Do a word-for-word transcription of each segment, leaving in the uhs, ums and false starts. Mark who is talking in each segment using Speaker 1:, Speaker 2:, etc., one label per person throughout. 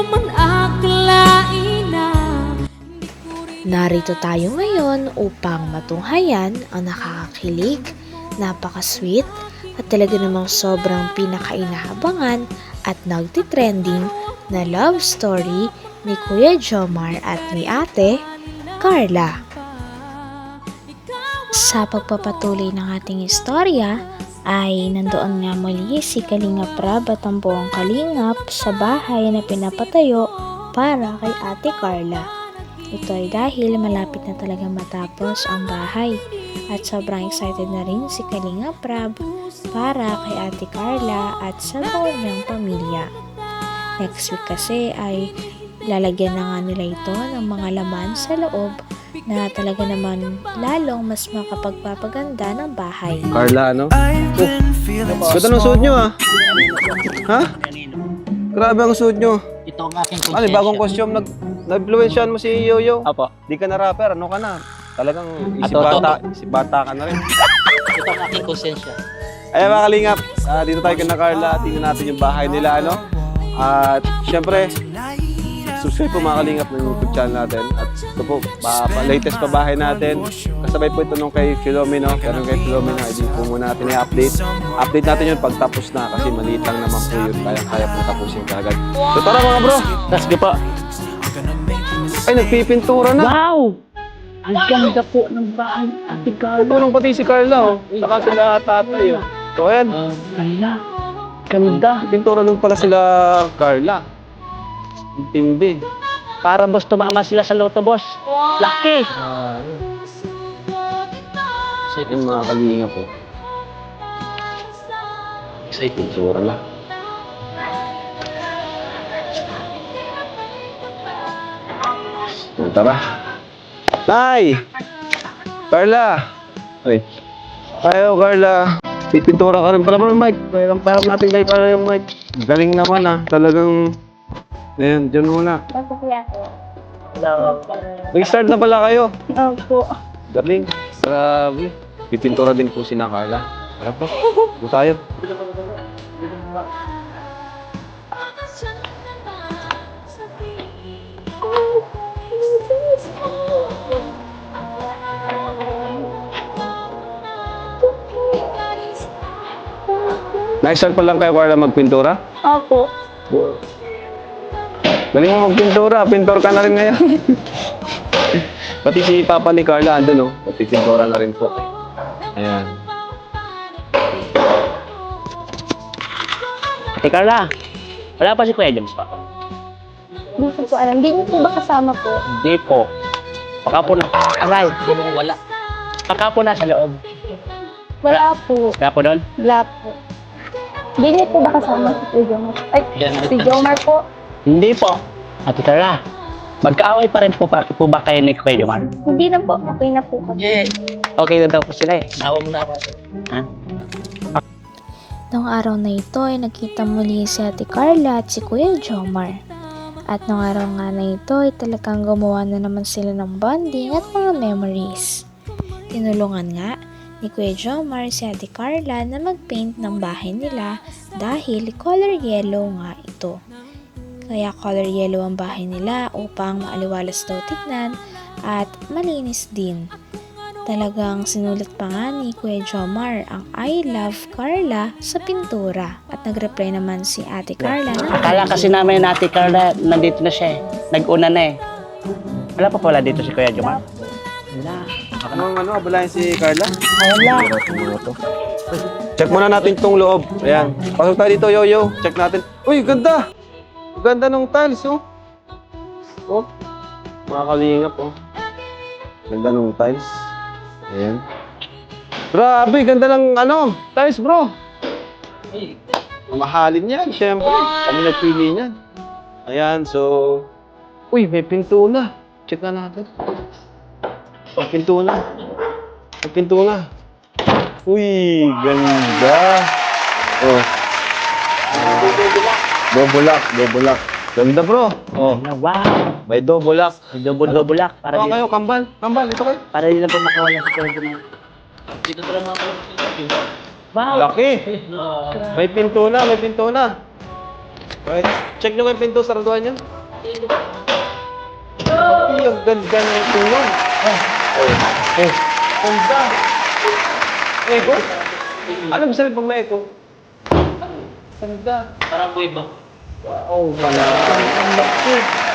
Speaker 1: man akalain na.
Speaker 2: Narito tayo ngayon upang matunghayan ang nakakakilig, napaka-sweet at talaga namang sobrang pinakainahabangan at nagtitrending na love story ni Kuya Jomar at ni Ate Carla. Sa pagpapatuloy ng ating istorya ay nandoon nga muli si Kalingap Rab at ang buong Kalingap sa bahay na pinapatayo para kay Ate Carla. Ito ay dahil malapit na talaga matapos ang bahay at sobrang excited na rin si Kalingap Rab para kay Ate Carla at sa buong niyang pamilya. Next week kasi ay lalagyan na nga nila ito ng mga laman sa loob na talaga naman lalong mas makapagpapaganda ng bahay.
Speaker 3: Carla, ano? Oh, ganda ng suot nyo ah. Ha? Grabe ang suot nyo.
Speaker 4: Ito ang aking konsensya.
Speaker 3: Ano, bagong costume, nag, nag-influensyan mo si Yoyo.
Speaker 4: Apo.
Speaker 3: Di ka na rapper, ano ka na? Talagang isip
Speaker 4: Ato,
Speaker 3: bata, isip bata ka na rin.
Speaker 4: Ito ang aking konsensya.
Speaker 3: Ayan mga kalingap, ah, dito tayo kay na Carla, tingnan natin yung bahay nila, ano? At syempre, subscribe po mga kalingap ng YouTube channel natin. At ito po, pa, pa, latest pa bahay natin. Kasabay po ito nung kay Filomeno. Pero kay Filomeno, hindi po muna natin i-update. Update natin yun pag tapos na kasi maliit lang naman po yun. Kaya-kaya po tapusin kagad. So tara mga bro!
Speaker 4: Let's go po.
Speaker 3: Ay, nagpipintura na!
Speaker 4: Wow! Ang ganda po ng bahay, Ate Carla.
Speaker 3: Tulong pati si Carla, oh. Saka sila tatay, oh. So ayan,
Speaker 4: Uh, Carla, ganda.
Speaker 3: pintura nung pala sila Carla. Ang tindi.
Speaker 4: Para boss tumama sila sa loto, boss. Laki!
Speaker 3: Yung mga kalinga po.
Speaker 4: Excited.
Speaker 3: Pintura na. Tara. Nay! Carla! Ay. Ayo, Carla. Pipintura ka rin pala mo ng mic. Parang parang natin kayo para yung mic. Galing naman ah. Talagang... Ayan, dyan muna.
Speaker 5: Opo, kuya ko.
Speaker 3: Nag-start na pala kayo.
Speaker 5: Opo.
Speaker 3: Galing. Grabe. Pipintura din po si na Carla. Tara po. Buta tayo. Nag-start pa lang kayo, Carla, magpintura?
Speaker 5: Opo.
Speaker 3: Galing mo magpintura. Pintor ka na rin ngayon. Pati si Papa ni Carla, andun, no? Pati pintura na rin po. Ayan.
Speaker 4: Ate Carla, wala pa si Kuya James pa.
Speaker 5: Hindi ko po alam. Hindi niyo po ba kasama po?
Speaker 4: Hindi po. Baka po na... Aray, wala. Baka po nasa loob.
Speaker 5: Wala po.
Speaker 4: Kaya po doon?
Speaker 5: Wala po. Hindi niyo po ba kasama si Jomar? Ay, si Jomar po.
Speaker 4: Hindi po. Ate Carla, magkaaway pa rin po, pa, po ba kayo ni Kuya Jomar?
Speaker 5: Hindi na po. Okay na po kami.
Speaker 4: Yeah. Okay na daw po sila eh. Nawa mo na ako. Ha?
Speaker 2: Noong araw na ito ay nakita muli si Ate Carla at si Kuya Jomar. At noong araw nga na ito ay talagang gumawa na naman sila ng bonding at mga memories. Tinulungan nga ni Kuya Jomar si Ate Carla na mag-paint ng bahay nila dahil color yellow nga ito. Kaya color yellow ang bahay nila upang maaliwalas daw tignan at malinis din. Talagang sinulat pa nga ni Kuya Jomar ang I love Carla sa pintura at nag-reply naman si Ate Carla na
Speaker 4: Akala kasi namin na Ate Carla, nandito na siya eh. Nag-una na eh. Wala pa pala dito si Kuya Jomar. Wala.
Speaker 3: Anong ano, abalayan si Carla?
Speaker 4: Wala.
Speaker 3: Check muna natin itong loob. Ayan. Pasok tayo dito, Yoyo. Check natin. Uy, ganda! Ganda ng tiles, oh. Oh. Mga kalingap, oh. Ganda ng tiles. Ayan. Grabe, ganda ng ano, tiles, bro. Mamahalin yan, syempre. Kami nagpili niyan. Ayan, so... Uy, may pinto na. Check na natin. May pinto na. May pinto na. Uy, ganda. Oh. Dobulak, dobulak. Ganda, bro. Oh,
Speaker 4: Wow.
Speaker 3: may dobulak.
Speaker 4: Double-double lock. Para
Speaker 3: Oh,
Speaker 4: di,
Speaker 3: kayo, kambal. Kambal, ito kayo.
Speaker 4: para di na po makawala si Kuya Jomar. Dito talaga ako. Wow.
Speaker 3: Laki. May pinto na, may pinto na. Okay. Check nyo yung pinto, saraduhan nyo. Ay, ang ganda na yung tulong. Oh. Eh, ganda. Echo? Ano ba sabi pag may echo? Ganda.
Speaker 4: Parang boy ba?
Speaker 3: Wow, wala. Ang laki.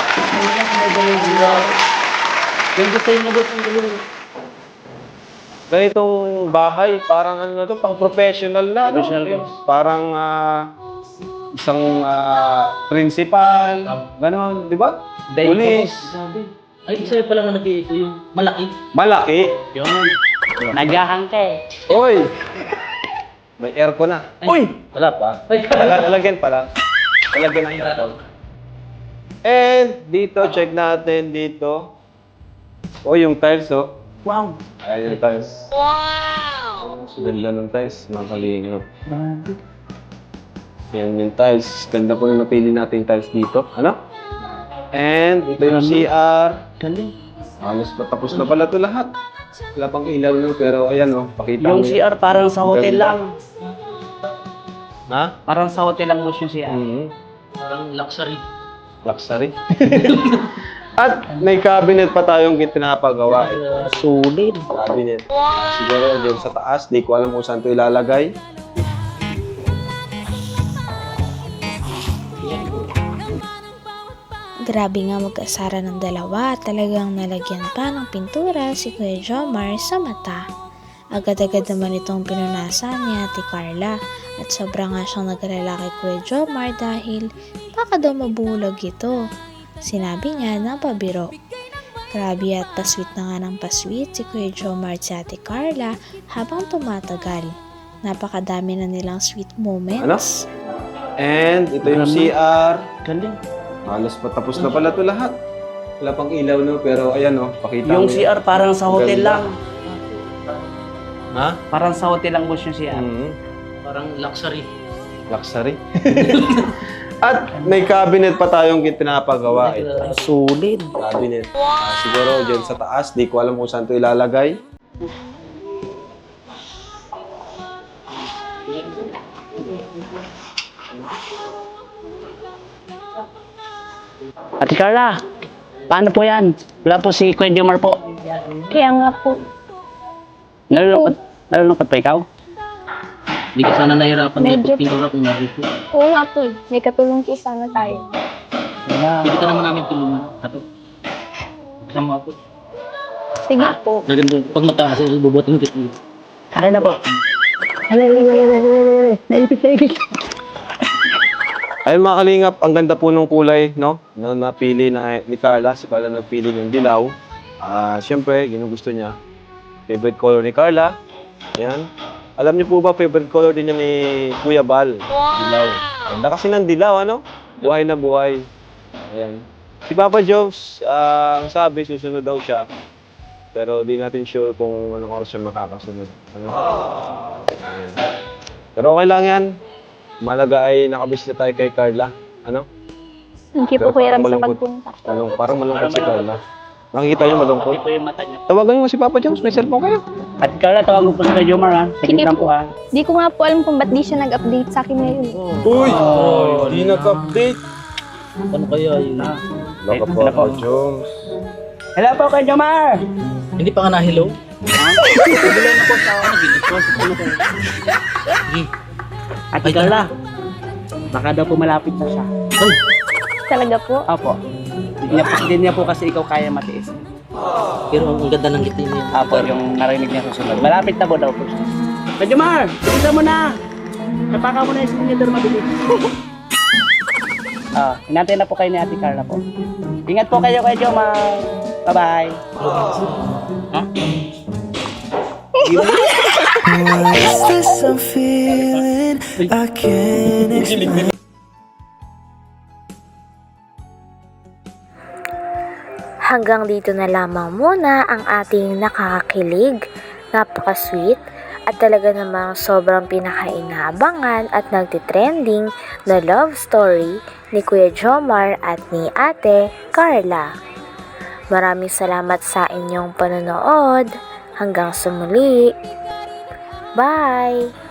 Speaker 4: Ganda sa'yo na boss ang gawin.
Speaker 3: Ganitong bahay, parang ano na to, pang professional na. no?
Speaker 4: Professional ba?
Speaker 3: Parang ah, isang ah, principal, gano'n, di ba? Police.
Speaker 4: Sabi. Ay, sa'yo pala nga nag-iito yung malaki.
Speaker 3: Malaki.
Speaker 4: Yun. Nagahang ka eh.
Speaker 3: Oy! May aircon na. Uy! Wala pa.
Speaker 4: Ay,
Speaker 3: Lag- Lalagyan pa lang. Lalagyan na yung aircon. And dito, check natin dito. Oh, yung tiles, oh.
Speaker 4: wow.
Speaker 3: Ayan yung tiles. Wow! Ganda ng tiles, mga kalingap. Yan yung tiles. Ganda po yung napili natin yung tiles dito. Ano? And ito yung C R.
Speaker 4: Galing.
Speaker 3: Halos patapos na pala ito lahat. Wala pang ilaw nun, pero ayan oh, pakita
Speaker 4: Yung
Speaker 3: mo.
Speaker 4: C R parang sa hotel
Speaker 3: Ganda.
Speaker 4: lang.
Speaker 3: Ha?
Speaker 4: Parang sa hotel lang boss yung C R.
Speaker 3: Mm-hmm.
Speaker 4: Parang luxury.
Speaker 3: Luxury. At may cabinet pa tayong pinapagawa.
Speaker 4: Uh, solid.
Speaker 3: Cabinet. Siguro dyan sa taas, di ko alam kung saan ito ilalagay.
Speaker 2: Grabe nga mag-asara ng dalawa, talagang nalagyan pa ng pintura si Kuya Jomar sa mata. Agad-agad naman itong pinunasan ni Ate Carla at sobra nga siyang nag-alala kay Kuya Jomar dahil baka daw mabulag ito. Sinabi niya na pabiro. Grabe at pasweet na nga ng pasweet si Kuya Jomar at si Ate Carla habang tumatagal. Napakadami na nilang sweet moments.
Speaker 3: And ito yung C R.
Speaker 4: Galing.
Speaker 3: Halos patapos na pala ito lahat. Wala pang ilaw no, pero ayan oh, pakita
Speaker 4: Yung
Speaker 3: mo
Speaker 4: C R parang sa hotel
Speaker 3: Ganda.
Speaker 4: lang.
Speaker 3: Ha?
Speaker 4: Parang sa hotel lang boss yung C R.
Speaker 3: Mm-hmm.
Speaker 4: Parang luxury.
Speaker 3: Luxury. At may cabinet pa tayong pinapagawa. Eh.
Speaker 4: Solid.
Speaker 3: Cabinet. Ah, siguro dyan sa taas, di ko alam kung saan ito ilalagay.
Speaker 4: Ate Carla, paano po yan? Wala po si Kuya Jomar po.
Speaker 5: Kaya nga po.
Speaker 4: Nalulungkot, nalulungkot pa ikaw? Hindi ka sana nahirapan
Speaker 5: Medyo.
Speaker 4: dito. Pinura kung nari po.
Speaker 5: Oo nga po. May katulong kiss sana tayo.
Speaker 4: Pwede ka naman namin tulungan. Ato. Kasama ako.
Speaker 5: Sige po.
Speaker 4: Naganda, pag mataas, bubuhat ng titi. Kaya na po. Naipit, naipit.
Speaker 3: Ayun mga kalingap, ang ganda po ng kulay, no? Na napili na ni Carla, si Carla nagpili ng dilaw. Ah, siyempre, ginugusto niya. Favorite color ni Carla. Ayan. Alam niyo po ba, favorite color din niya ni Kuya Bal? Dilaw. Ganda kasi ng dilaw, ano? Buhay na buhay. Ayan. Si Papa Jones, ah, ang sabi, susunod daw siya. Pero di natin sure kung anong oras siya makakasunod. Ano? Ayan. Pero okay lang yan. Malaga ay nakabis na tayo kay Carla. Ano?
Speaker 5: Hindi
Speaker 3: Pero
Speaker 5: po kuya
Speaker 3: parang
Speaker 5: sa
Speaker 3: malungkot.
Speaker 5: pagpunta.
Speaker 3: Anong, parang malungkot si Carla. Nakikita niyo malungkot?
Speaker 4: Hindi po yung mata niya.
Speaker 3: Tawagan mo si Papa Jones, may cellphone kayo.
Speaker 4: Ate Carla, tawag mo po si Kuya Jomar ha. Sige lang po ha.
Speaker 5: Di ko nga po alam kung ba't di siya nag-update sa akin ngayon.
Speaker 3: Uy! Hindi nag-update.
Speaker 4: Ano kaya yun?
Speaker 3: Laka
Speaker 4: Hello
Speaker 3: Papa
Speaker 4: po.
Speaker 3: Jones.
Speaker 4: Hello po, Kuya Jomar! Hindi pa ka na hello? Ha? Hello na po sa ako. Ate Carla, baka daw po malapit na siya.
Speaker 5: Talaga po.
Speaker 4: Opo. Hindi niya, po- hindi niya po kasi ikaw kaya matiis.
Speaker 6: Pero ang ganda ng ngiti niya.
Speaker 4: Apo, yung narinig niya susunod. Malapit na po daw po siya. Kuya Jomar, bilisan mo na! Napaka mo na yung signature mabilis. Ah, hinantay na po kayo ni Ate Carla po. Ingat po kayo, Kuya Jomar. Bye-bye.
Speaker 7: What's this I'm feeling? I can't explain.
Speaker 2: Hanggang dito na lamang muna ang ating nakakakilig, napaka-sweet, at talaga namang sobrang pinakainabangan at nagtitrending na love story ni Kuya Jomar at ni Ate Carla. Maraming salamat sa inyong panonood. Hanggang sa muli. Bye!